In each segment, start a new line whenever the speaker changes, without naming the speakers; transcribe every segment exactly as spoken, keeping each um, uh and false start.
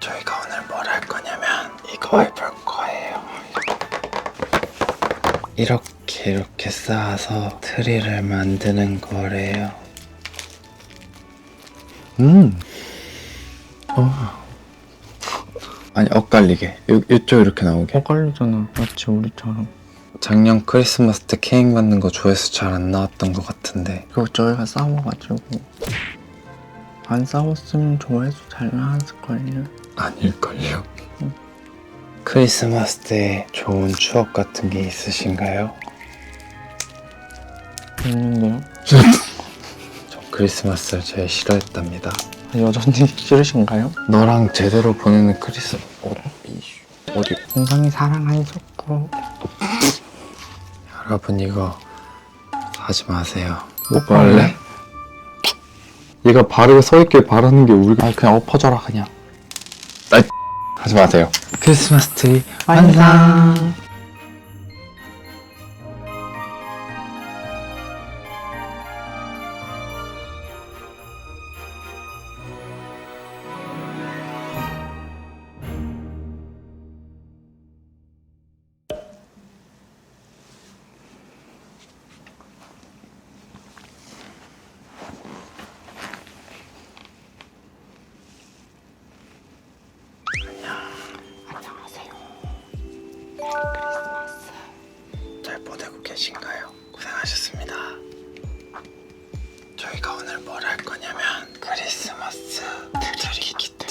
저희가 오늘 뭘 할 거냐면 이거 해볼 거예요. 이렇게 이렇게 쌓아서 트리를 만드는 거래요. 음. 어. 아니 엇갈리게 요, 요쪽 이렇게 나오게.
헷갈리잖아. 마치 우리처럼.
작년 크리스마스 때 케이크 만든 거 조회수 잘 안 나왔던 것 같은데
그거 저희가 싸워가지고 안 싸웠으면 조회수 잘 나왔을걸요.
아닐걸요? 크리스마스 때 좋은 추억 같은 게 있으신가요?
있는데요?
저 크리스마스를 제일 싫어했답니다.
아, 여전히 싫으신가요?
너랑 제대로 보내는 크리스... 어, 이씨, 어디...
굉장히 사랑하셨고.
여러분 이거 하지 마세요.
못
원래? 얘가 바르게 서있길 바라는 게 우리가...
아 그냥 엎어져라 그냥.
하지 마세요. 크리스마스 트리
완성.
잘 보내고 계신가요? 고생하셨습니다. 저희가 오늘 뭘 할 거냐면 크리스마스 트리 키트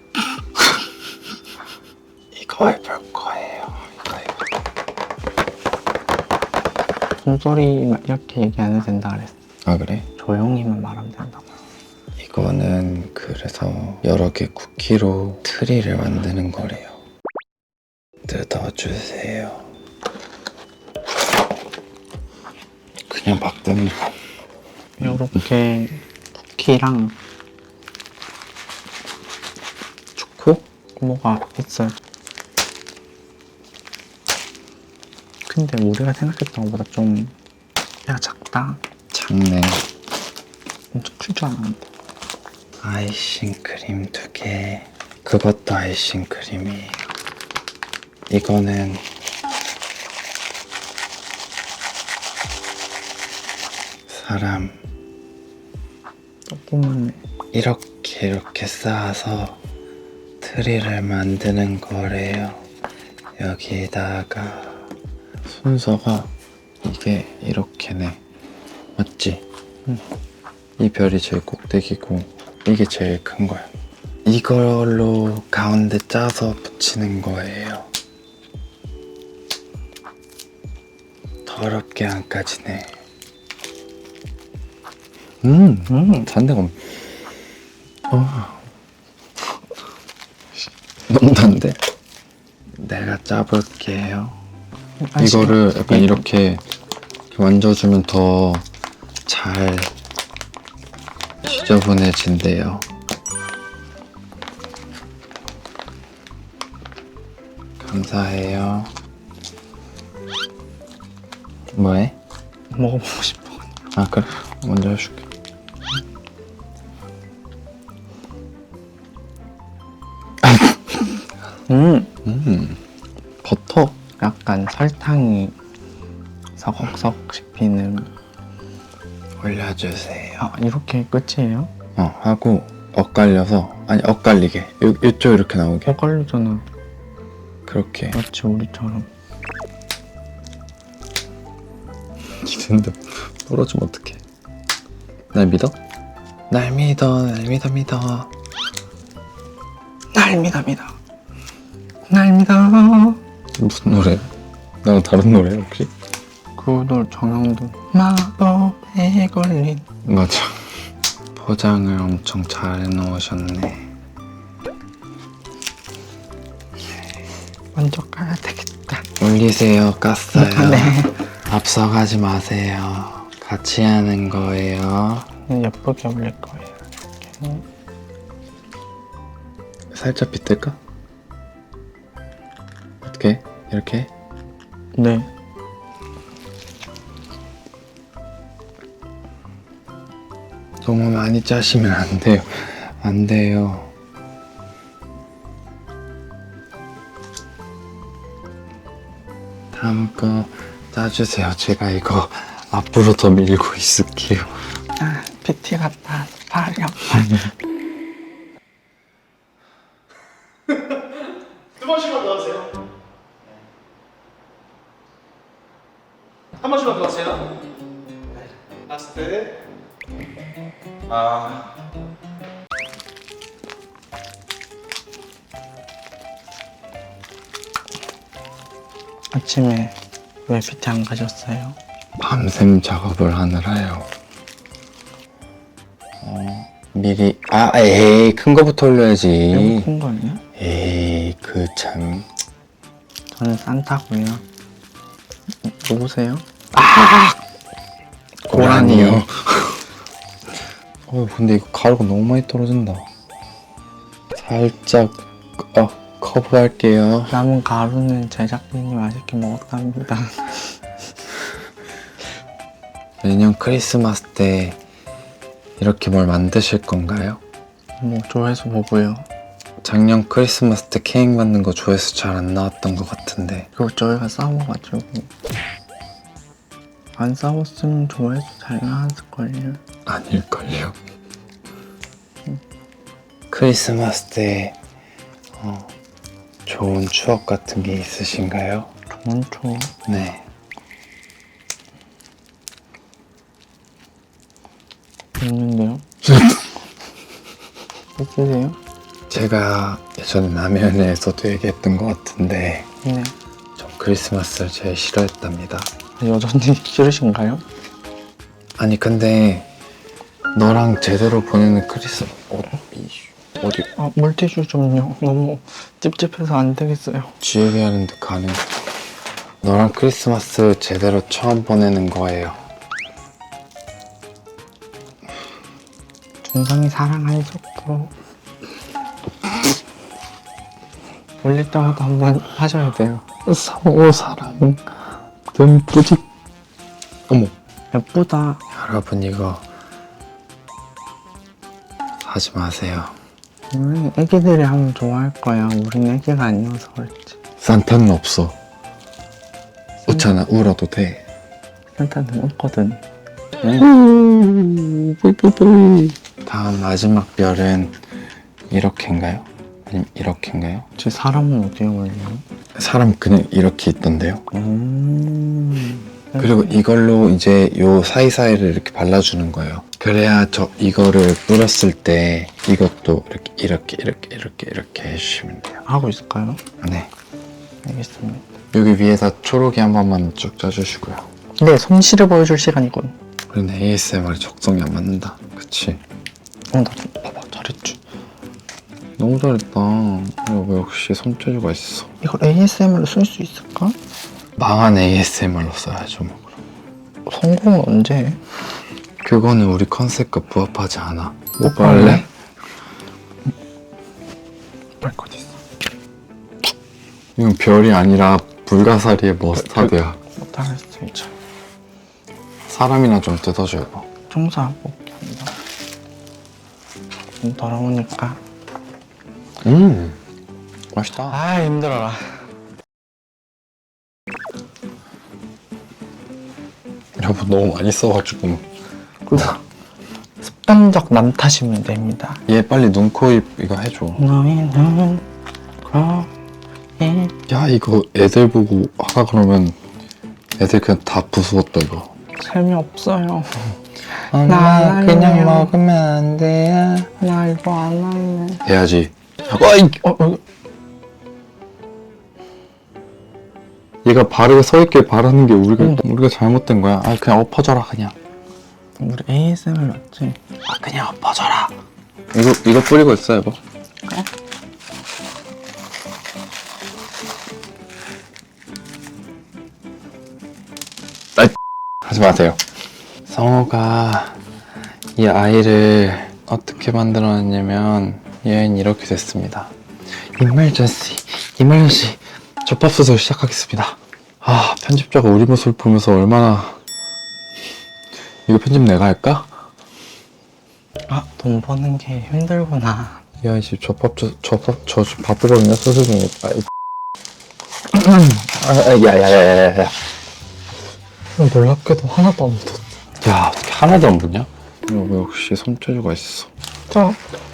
이거 해볼 거예요. 이거 해볼
숨소리 이렇게 얘기 안 해도 된다 그랬어.
아 그래?
조용히만 말하면 된다고.
이거는 그래서 여러 개 쿠키로 트리를 만드는 거래요. 뜯어주세요. 그냥 막 뜯는 거.
요렇게 쿠키랑
초코?
뭐가 있어요. 근데 우리가 생각했던 것보다 좀 배가 작다.
작네.
엄청 클 줄 알았는데.
아이싱 크림 두 개. 그것도 아이싱 크림이에요. 이거는 사람.
조그만해.
이렇게 이렇게 쌓아서 트리를 만드는 거래요. 여기다가 순서가 이게 이렇게네. 맞지?
응.
이 별이 제일 꼭대기고 이게 제일 큰 거야. 이걸로 가운데 짜서 붙이는 거예요. 더럽게 안 까지네. 음,
음.
단데가 어. 너무 단데? 내가 짜볼게요.
아,
이거를
지금
약간
이거-
이렇게 만져주면 더 잘 지저분해진대요. 감사해요. 뭐해?
먹어보고 싶어.
아 그래? 먼저 해줄게.
음.
음 버터?
약간 설탕이 서걱서걱 씹히는.
올려주세요.
아 이렇게 끝이에요?
어 하고 엇갈려서 아니 엇갈리게 요, 요쪽 이렇게 나오게
헷갈리잖아.
그렇게.
마치 우리처럼.
기대는데 부러지면 어떡해. 날 믿어? 날 믿어 날 믿어 믿어.
날 믿어 믿어. 날 믿어.
무슨 노래? 나랑 다른 노래 혹시?
그돌 정형도 마법에 걸린.
맞아. 포장을 엄청 잘 해놓으셨네.
먼저 가야 되겠다.
올리세요. 깠어요.
네.
앞서가지 마세요. 같이 하는 거예요.
예쁘게 올릴 거예요. 이렇게.
살짝 빗댈까? 어떻게? 이렇게?
네.
너무 많이 짜시면 안 돼요. 안 돼요. 다음 거 짜주세요. 제가 이거 앞으로 더 밀고 있을게요.
아, 피티 같다. 팔이 아파.
두 번씩만 더 하세요. 한 번씩만 더 하세요. 네. 라스트. 아.
아침에 왜 피티 안 가셨어요?
밤샘 작업을 하느라요. 어, 미리 아 에이 큰 거부터 올려야지.
너무 큰 거 아니야?
에이 그 참.
저는 산타고요. 누구세요?
고라니요. 어 근데 이거 가루가 너무 많이 떨어진다. 살짝 어 커브할게요.
남은 가루는 제작진이 맛있게 먹었답니다.
내년 크리스마스 때 이렇게 뭘 만드실 건가요?
뭐 조회수 보고요.
작년 크리스마스 때 케이크 만든 거 조회수 잘 안 나왔던 것 같은데.
그거 저희가 싸워가지고 안 싸웠으면 조회수 잘 나왔을걸요.
아닐걸요. 크리스마스 때 어, 좋은 추억 같은 게 있으신가요?
좋은 초
네.
있는데요? 있으세요?
제가 예전에 라면에서도 얘기했던 것 같은데
네.
전 크리스마스를 제일 싫어했답니다.
여전히 싫으신가요?
아니 근데 너랑 제대로 보내는 크리스 어, 이- 어디
아, 물티슈 좀요. 너무 찝찝해서 안 되겠어요.
쥐에게 하는데 가는 너랑 크리스마스 제대로 처음 보내는 거예요.
중성이 사랑하는 속도 올릴 때마다 한번 하셔야 돼요.
서로 사랑 듬뿌직 어머
예쁘다.
여러분 이거 하지 마세요.
우리 애기들이 하면 좋아할 거야. 우린 애기가 아니어서 그렇지.
산타는 없어. 웃잖아. 울어도 돼.
산타는 없거든.
다음 마지막 별은 이렇게인가요? 아니면 이렇게인가요?
제 사람은 어디에 올려요?
사람 그냥 이렇게 있던데요.
음.
그리고 이걸로 이제 요 사이사이를 이렇게 발라주는 거예요. 그래야 저 이거를 뿌렸을 때 이것도 이렇게 이렇게 이렇게 이렇게 이렇게 해주시면 돼요.
하고 있을까요?
네.
알겠습니다.
여기 위에다 초록이 한 번만 쭉 짜주시고요.
네, 솜씨를 보여줄 시간이군.
우리는 에이에스엠알이 적성이 안 맞는다. 그치?
어, 나 좀 봐봐. 잘했지.
너무 잘했다. 이거 역시 손재주가 있어.
이걸 에이에스엠알로 쓸 수 있을까?
망한 에이에스엠알로 써야죠 뭐 그럼.
성공은 언제 해?
그거는 우리 컨셉과 부합하지 않아.
못
볼래?
볼래? 발코디 있어.
이건 별이 아니라 불가사리의 머스타드야.
못하겠어 진짜.
사람이나 좀 뜯어줘요.
청소하고 올게 한다. 좀 더러우니까.
음 맛있다.
아 힘들어라.
여보 너무 많이 써가지고.
그 습관적 남 탓이면 됩니다.
얘 빨리 눈, 코, 입 이거 해줘.
너희는 거의
야 이거 애들 보고 하라 그러면 애들 그냥 다 부수었다 이거.
재미없어요.
엄마
그냥 할래요.
먹으면 안 돼요.
나 이거 안 할래.
해야지. 어이!
어, 어,
얘가 바르게 서있길 바라는 게 우리가 우리가 잘못된 거야. 아 그냥 엎어져라 그냥.
우리 에이에스엠알 맞지?
아 그냥 엎어져라. 이거 이거 뿌리고 있어 여보.
그래?
아, 하지 마세요. 성호가 이 아이를 어떻게 만들어냈냐면 얘는 이렇게 됐습니다. 이멀전시, 이멀전시. 접합소설 시작하겠습니다. 아 편집자가 우리 모습을 보면서 얼마나 이거 편집 내가 할까?
아, 돈 버는 게 힘들구나.
야, 이 집 접합, 저, 접합, 저 지금 바쁘거든요, 소설 중에. 아이, 아, 야야야야야.
놀랍게도 하나도 안 묻었어.
야, 어떻게 하나도 안 붙냐? 여기 역시 손재주가 있어.
자,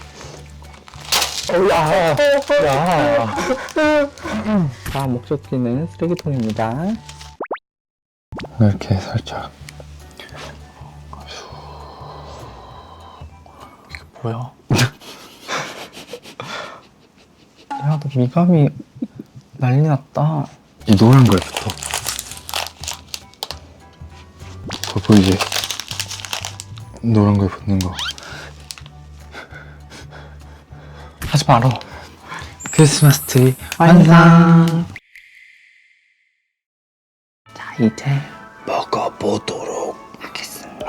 야, 야.
자, 목적지는 쓰레기통입니다.
이렇게 살짝.
뭐야? 야, 너 미감이 난리 났다.
이 노란 거에 붙어. 그거 보이지? 노란 거에 붙는 거.
하지 마라.
크리스마스 트리
완성. 자, 이제
먹어보도록
하겠습니다.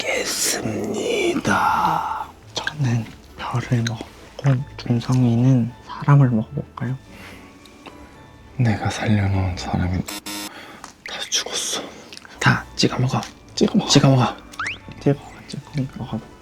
하겠습니다.
저는 별을 먹고 준성이는 사람을 먹어볼까요?
내가 살려놓은 사람이 다 죽었어.
다 찍어 먹어. 찍어 먹어. 찍어 먹어. 찍어가지고 먹어볼게요.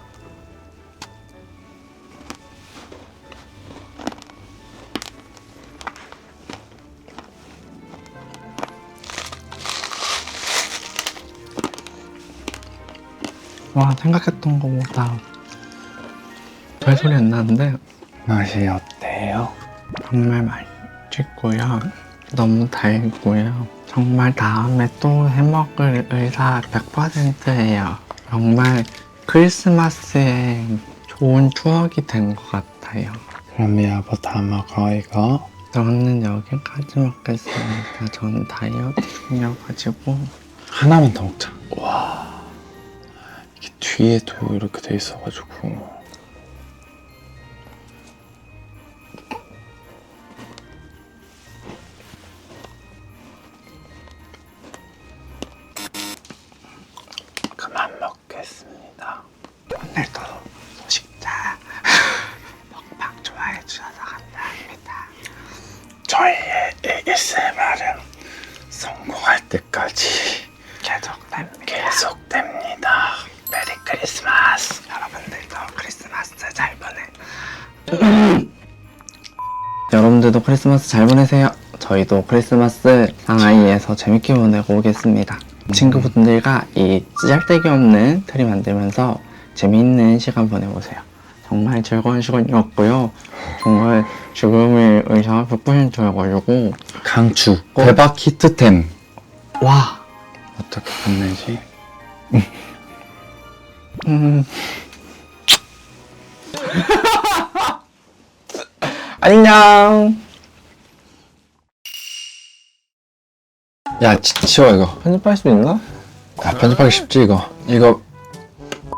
와, 생각했던 것보다 별 소리 안 나는데
맛이 어때요?
정말 맛있고요. 너무 달고요. 정말 다음에 또 해먹을 의사 백 퍼센트예요. 정말 크리스마스에 좋은 추억이 된 것 같아요.
그럼 여보 다 먹어 이거.
저는 여기까지 먹겠습니다. 저는 다이어트 중이어가지고.
하나만 더 먹자. 와, 이게 뒤에도 이렇게 돼 있어가지고. 그만 먹겠습니다.
오늘도 소식자 먹방 좋아해 주셔서 감사합니다.
저희의 에이에스엠알은 성공할 때까지
계속됩니다.
계속됩니다. 메리 크리스마스.
여러분들도 크리스마스 잘 보내. 여러분들도 크리스마스 잘 보내세요. 저희도 크리스마스 상하이에서 재밌게 보내고 오겠습니다. 친구분들과 이 짤데기 없는 트리 만들면서 재미있는 시간 보내보세요. 정말 즐거운 시간이었고요. 정말 지금의 의사 백 퍼센트여가지고
강추. 대박 히트템.
와,
어떻게 끝내지?
음. 안녕.
야, 치, 치워 이거.
편집할 수 있나?
야, 편집하기 쉽지 이거. 이거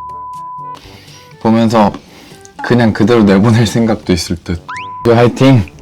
보면서 그냥 그대로 내보낼 생각도 있을 듯. 화이팅!